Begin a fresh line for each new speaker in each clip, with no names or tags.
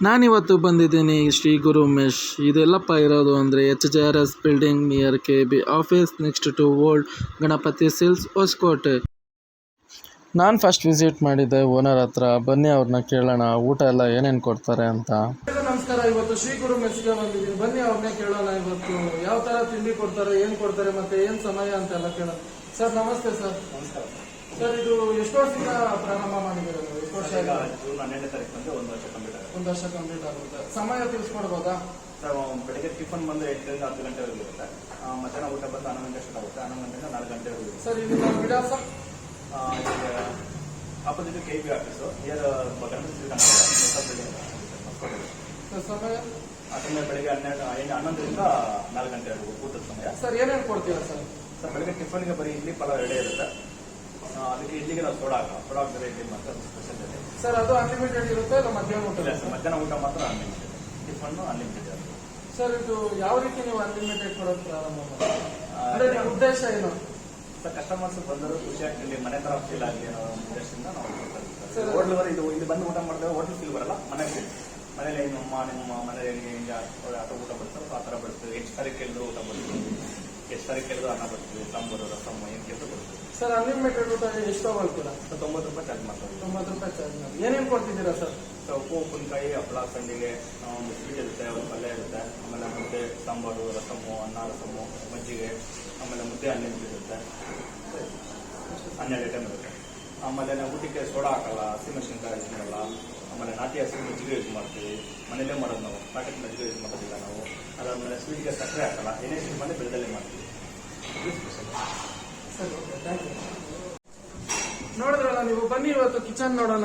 ನಾನಿವತ್ತು ಬಂದಿದ್ದೀನಿ ಶ್ರೀ ಗುರು ಮೆಶ್. ಇದೆಲ್ಲಪ್ಪ ಇರೋದು ಅಂದರೆ HJRS building near KB office next to old Ganapati silks Hosakote. ನಾನು ಫಸ್ಟ್ ವಿಸಿಟ್ ಮಾಡಿದ್ದೆ ಓನರ್ ಹತ್ರ. ಬನ್ನಿ ಅವ್ರನ್ನ ಕೇಳೋಣ ಊಟ ಎಲ್ಲ ಏನೇನು ಕೊಡ್ತಾರೆ ಅಂತ. ನಮಸ್ಕಾರ, ಇವತ್ತು ಶ್ರೀ ಗುರು ಮೆಸ್ಗೆ ಬಂದಿದ್ದೀನಿ. ಬನ್ನಿ ಅವ್ರನ್ನೇ ಕೇಳೋಣ ಇವತ್ತು ಯಾವ ಥರ ತಿಂಡಿ ಕೊಡ್ತಾರೆ, ಏನು ಕೊಡ್ತಾರೆ ಮತ್ತು ಏನು ಸಮಯ ಅಂತೆಲ್ಲ ಕೇಳೋಣ. ಸರ್ ನಮಸ್ತೆ. ಸರ್
ನಮಸ್ಕಾರ
ಸರ್, ಇದು ಎಷ್ಟು ವರ್ಷದಿಂದ ಪ್ರಾರಂಭ ಮಾಡಿದ್ದೀರಾ? ಎಷ್ಟು ವರ್ಷ?
ಜೂನ್ 12ನೇ ತಾರೀಕು ಬಂದು ಒಂದು ವರ್ಷ ಕಂಪ್ಲೀಟ್ ಆಗುತ್ತೆ.
ಸಮಯ ತಿಳಿಸ್ಕೊಡ್ಬೋದಾ?
ಸರ್ ಬೆಳಗ್ಗೆ ಟಿಫನ್ ಬಂದು 8ರಿಂದ 10 ಗಂಟೆವರೆಗೂ ಇರುತ್ತೆ. ಮಧ್ಯಾಹ್ನ ಊಟ ಬಂದು 11 ಗಂಟೆ ಸ್ಟಾರ್ಟ್ ಆಗುತ್ತೆ. 11 ಗಂಟೆಯಿಂದ 4 ಗಂಟೆವರೆಗೂ ಇರುತ್ತೆ.
ಸರ್ ಇದು ವಿಳಾಸ
opposite KB office near Ganapati
ಸಮಯ
ಅದರಿಂದ ಬೆಳಗ್ಗೆ 11ರಿಂದ 4 ಗಂಟೆವರೆಗೂ ಊಟದ ಸಮಯ.
ಸರ್ ಏನೇನು ಕೊಡ್ತೀರಾ?
ಸರ್ ಬೆಳಗ್ಗೆ ಟಿಫನ್ಗೆ ಬರೀ ಇಡ್ಲಿ ಪಲಾವ್ ಎರಡೇ ಇರುತ್ತೆ. ಅದಕ್ಕೆ ಇಡ್ಲಿಗೆ ನಾವು ಸೋಡಾ ಹಾಕ್ತಾರೆ ಇಡ್ಲಿ ಮಾತ್ರ ಸ್ಪೆಷಲ್ ಇದೆ.
ಸರ್ ಅದು ಅನ್ಲಿಮಿಟೆಡ್ ಇರುತ್ತೆ ಇಲ್ಲ ಮಧ್ಯಾಹ್ನ ಊಟ?
ಇಲ್ಲ ಸರ್, ಮಧ್ಯಾಹ್ನ ಊಟ ಮಾತ್ರ ಅನ್ಲಿಮಿಟೆಡ್, ಟಿಫನ್ನು ಅನ್ಲಿಮಿಟೆಡ್.
ಸರ್ ಇದು ಯಾವ ರೀತಿ ನೀವು ಅನ್ಲಿಮಿಟೆಡ್ ಕೊಡೋದು ಪ್ರಾರಂಭ ಅಂದರೆ ನಿಮ್ಮ ಉದ್ದೇಶ ಏನು?
ಸರ್ ಕಸ್ಟಮರ್ಸ್ ಬಂದರು ಖುಷಿ ಆಗ್ತಿಲ್ಲ, ಮನೆ ತರ ಫೀಲ್ ಆಗಲಿ ಅನ್ನೋ ಉದ್ದೇಶದಿಂದ ನಾವು ಹೋಟ್ಲ್ ಬರೀ ಇಲ್ಲಿ ಬಂದು ಊಟ ಮಾಡಿದ್ರೆ ಹೋಟ್ಲ್ ಫೀಲ್ ಬರಲ್ಲ, ಮನೆಗೆ ಮನೇಲಿ ನಿಮ್ಮ ಮನೇಲಿ ಹಿಂಗೆ ಆಟ ಊಟ ಬಡ್ತಾರೆ, ಆ ಥರ ಬಡ್ತೀವಿ. ಎಷ್ಟು ಸಾರಿ ಕೇಳಿದ್ರು ಊಟ ಬಡ್ತೀವಿ, ಎಷ್ಟು ಸಾರಿ ಕೇಳಿದ್ರು ಅನ್ನ ಬಡ್ತೀವಿ, ಸಾಂಬಾರು ರಸಮ್ ಏನು ಕೇಳಿದ್ರು ಬಡ್ತೀವಿ.
ಸರ್ ಅನ್ಲಿಮಿಟೆಡ್ ಊಟ ಎಷ್ಟು ತಗೊಳ್ತೀರಾ?
90 ರೂಪಾಯಿ ಚಾರ್ಜ್ ಮಾಡ್ತೀವಿ.
90 ರೂಪಾಯಿ ಚಾರ್ಜ್ ಮಾಡಿ ಏನೇನು ಕೊಡ್ತಿದ್ದೀರಾ ಸರ್?
ಸೊ ಉಪ್ಪು ಉಪ್ಪಿನಕಾಯಿ, ಹಪ್ಪಳ, ಸಂಡಿಗೆ, ಸ್ವೀಟ್ ಇರುತ್ತೆ, ಒಂದು ಪಲ್ಯ ಇರುತ್ತೆ, ಆಮೇಲೆ ಮುದ್ದೆ, ಸಾಂಬಾರು, ರಸಮ್ಮು, ಅನ್ನ ರಸಮ್ಮು, ಮಜ್ಜಿಗೆ, ಆಮೇಲೆ ಮುದ್ದೆ ಅನ್ಲಿಮಿಟೆಡ್ ಇರುತ್ತೆ, 12 ಐಟಮ್ ಇರುತ್ತೆ. ಆಮೇಲೆ ನಾವು ಊಟಕ್ಕೆ ಸೋಡಾ ಹಾಕಲ್ಲ, ಹಸಿಮೆಣಸಿನಕಾಯಿ ಯೂಸ್ ಮಾಡಲ್ಲ. ಆಮೇಲೆ ನಾಟಿ ಹಸಿ ಮಜ್ಜಿಗೆ ಯೂಸ್ ಮಾಡ್ತೀವಿ, ಮನೇಲೇ ಮಾಡೋದು ನಾವು, ಪ್ಯಾಕೆಟ್ ಮಜ್ಜಿಗೆ ಯೂಸ್ ಮಾಡೋದಿಲ್ಲ ನಾವು. ಅದಾದಮೇಲೆ ಸ್ವೀಟ್ಗೆ ಸಕ್ಕರೆ ಹಾಕಲ್ಲ, ಏನೇ ಸ್ವೀಟ್ ಮಾಡಿ ಬೆಳೆದಲ್ಲೇ ಮಾಡ್ತೀವಿ. ಇದು ಸ್ಪೆಷಲ್.
ಸರಿ, ಓಕೆ, ಥ್ಯಾಂಕ್ ಯು. ನೋಡಿದ್ರಲ್ಲ ನೀವು, ಬನ್ನಿ ಇವತ್ತು ಕಿಚನ್ ನೋಡೋಣ.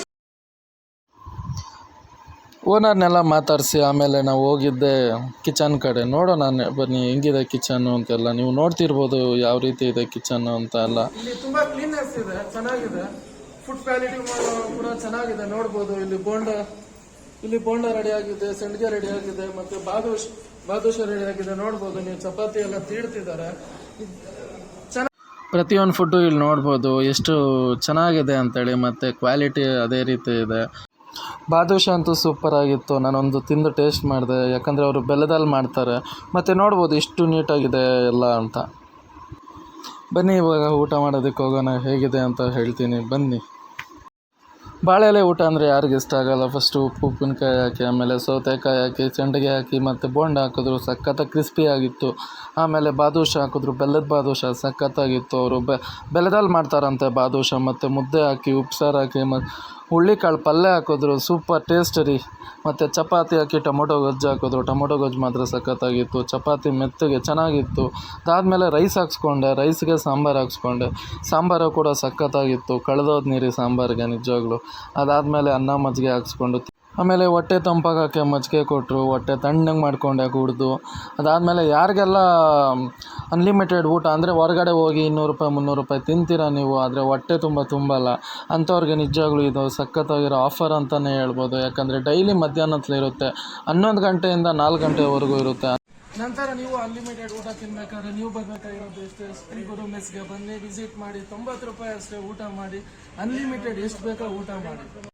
ಓನರ್ನೆಲ್ಲ ಮಾತಾಡಿಸಿ ಆಮೇಲೆ ನಾವು ಹೋಗಿದ್ದೆ ಕಿಚನ್ ಕಡೆ. ನೋಡೋಣ ಬನ್ನಿ ಹೆಂಗಿದೆ ಕಿಚನ್ನು ಅಂತೆಲ್ಲ. ನೀವು ನೋಡ್ತಿರ್ಬೋದು ಯಾವ ರೀತಿ ಇದೆ ಕಿಚನ್ನು ಅಂತ ಎಲ್ಲ. ಇಲ್ಲಿ ತುಂಬ ಕ್ಲೀನ್ನೆಸ್ ಇದೆ, ಚೆನ್ನಾಗಿದೆ. ಫುಡ್ ಕ್ವಾಲಿಟಿ ಕೂಡ ಚೆನ್ನಾಗಿದೆ, ನೋಡ್ಬೋದು. ಇಲ್ಲಿ ಬೋಂಡ ರೆಡಿ ಆಗಿದೆ, ಸಂಡಿಗೆ ರೆಡಿ ಆಗಿದೆ, ಮತ್ತು ಬಾದುಷ ರೆಡಿ ಆಗಿದೆ, ನೋಡ್ಬೋದು ನೀವು. ಚಪಾತಿ ಎಲ್ಲ ತೀಡ್ತಿದ್ದಾರೆ. ಪ್ರತಿಯೊಂದು ಫುಡ್ಡು ಇಲ್ಲಿ ನೋಡ್ಬೋದು ಎಷ್ಟು ಚೆನ್ನಾಗಿದೆ ಅಂತೇಳಿ, ಮತ್ತು ಕ್ವಾಲಿಟಿ ಅದೇ ರೀತಿ ಇದೆ. ಬಾದುಷ ಅಂತೂ ಸೂಪರ್ ಆಗಿತ್ತು. ನಾನೊಂದು ತಿಂದು ಟೇಸ್ಟ್ ಮಾಡಿದೆ, ಯಾಕಂದರೆ ಅವರು ಬೆಲ್ಲದಲ್ಲಿ ಮಾಡ್ತಾರೆ. ಮತ್ತು ನೋಡ್ಬೋದು ಎಷ್ಟು ನೀಟಾಗಿದೆ ಎಲ್ಲ ಅಂತ. ಬನ್ನಿ ಇವಾಗ ಊಟ ಮಾಡೋದಕ್ಕೆ ಹೋಗೋಣ, ಹೇಗಿದೆ ಅಂತ ಹೇಳ್ತೀನಿ ಬನ್ನಿ. ಬಾಳೆಲೆ ಊಟ ಅಂದರೆ ಯಾರಿಗೆ ಇಷ್ಟ ಆಗಲ್ಲ? ಫಸ್ಟು ಉಪ್ಪಿನಕಾಯಿ ಹಾಕಿ, ಆಮೇಲೆ ಸೌತೆಕಾಯಿ ಹಾಕಿ, ಸಂಡಿಗೆ ಹಾಕಿ, ಮತ್ತು ಬೋಂಡ ಹಾಕಿದ್ರು ಸಖತ್ತಾಗಿ ಕ್ರಿಸ್ಪಿ ಆಗಿತ್ತು. ಆಮೇಲೆ ಬಾದುಷ ಹಾಕಿದ್ರು, ಬೆಲ್ಲದ ಬಾದುಷ ಸಖತ್ತಾಗಿತ್ತು. ಅವರು ಬೆಲ್ಲದಲ್ಲಿ ಮಾಡ್ತಾರಂತೆ ಬಾದುಷ. ಮತ್ತು ಮುದ್ದೆ ಹಾಕಿ, ಉಪ್ಸಾರು ಹಾಕಿ, ಮತ್ತು ಹುಳ್ಳಿಕಾಳು ಪಲ್ಯ ಹಾಕಿದ್ರು, ಸೂಪರ್ ಟೇಸ್ಟ್ ರೀ. ಮತ್ತು ಚಪಾತಿ ಹಾಕಿ ಟೊಮೊಟೊ ಗೊಜ್ಜು ಹಾಕಿದ್ರು, ಟೊಮೊಟೊ ಗೊಜ್ಜು ಮಾತ್ರ ಸಖತ್ತಾಗಿತ್ತು. ಚಪಾತಿ ಮೆತ್ತಗೆ ಚೆನ್ನಾಗಿತ್ತು. ಅದಾದಮೇಲೆ ರೈಸ್ ಹಾಕ್ಸ್ಕೊಂಡೆ, ರೈಸ್ಗೆ ಸಾಂಬಾರು ಹಾಕ್ಸ್ಕೊಂಡೆ, ಸಾಂಬಾರು ಕೂಡ ಸಖತ್ತಾಗಿತ್ತು. ಕಳೆದೋದು ನೀರಿ ಸಾಂಬಾರಿಗೆ ನಿಜವಾಗ್ಲೂ. ಅದಾದಮೇಲೆ ಅನ್ನ ಮಜ್ಜಿಗೆ ಹಾಕ್ಸ್ಕೊಂಡು, ಆಮೇಲೆ ಹೊಟ್ಟೆ ತಂಪಾಗಕ್ಕೆ ಮಜ್ಜಿಗೆ ಕೊಟ್ಟರು, ಹೊಟ್ಟೆ ತಣ್ಣಗೆ ಮಾಡ್ಕೊಂಡೆ ಕುಡಿದು. ಅದಾದಮೇಲೆ ಯಾರಿಗೆಲ್ಲ ಅನ್ಲಿಮಿಟೆಡ್ ಊಟ ಅಂದರೆ ಹೊರಗಡೆ ಹೋಗಿ 200 ರೂಪಾಯಿ 300 ರೂಪಾಯಿ ತಿಂತೀರ ನೀವು, ಆದರೆ ಹೊಟ್ಟೆ ತುಂಬಲ್ಲ ಅಂಥವ್ರಿಗೆ ನಿಜವಾಗ್ಲೂ ಇದು ಸಖತ್ತಾಗಿರೋ ಆಫರ್ ಅಂತಲೇ ಹೇಳ್ಬೋದು. ಯಾಕಂದರೆ ಡೈಲಿ ಮಧ್ಯಾಹ್ನದಲ್ಲಿರುತ್ತೆ, 11 ಗಂಟೆಯಿಂದ 4 ಗಂಟೆವರೆಗೂ ಇರುತ್ತೆ. ನಂತರ ನೀವು ಅನ್ಲಿಮಿಟೆಡ್ ಊಟ ತಿನ್ನಬೇಕಾದ್ರೆ ನೀವು ಬರಬೇಕಾಗಿರೋದು ಎಷ್ಟೇ, ಶ್ರೀ ಗುರು ಮೆಸ್ಗೆ ಬನ್ನಿ, ವಿಸಿಟ್ ಮಾಡಿ. 90 ರೂಪಾಯಿ ಅಷ್ಟೇ ಊಟ ಮಾಡಿ, ಅನ್ಲಿಮಿಟೆಡ್ ಎಷ್ಟು ಬೇಕೋ ಊಟ ಮಾಡಿ.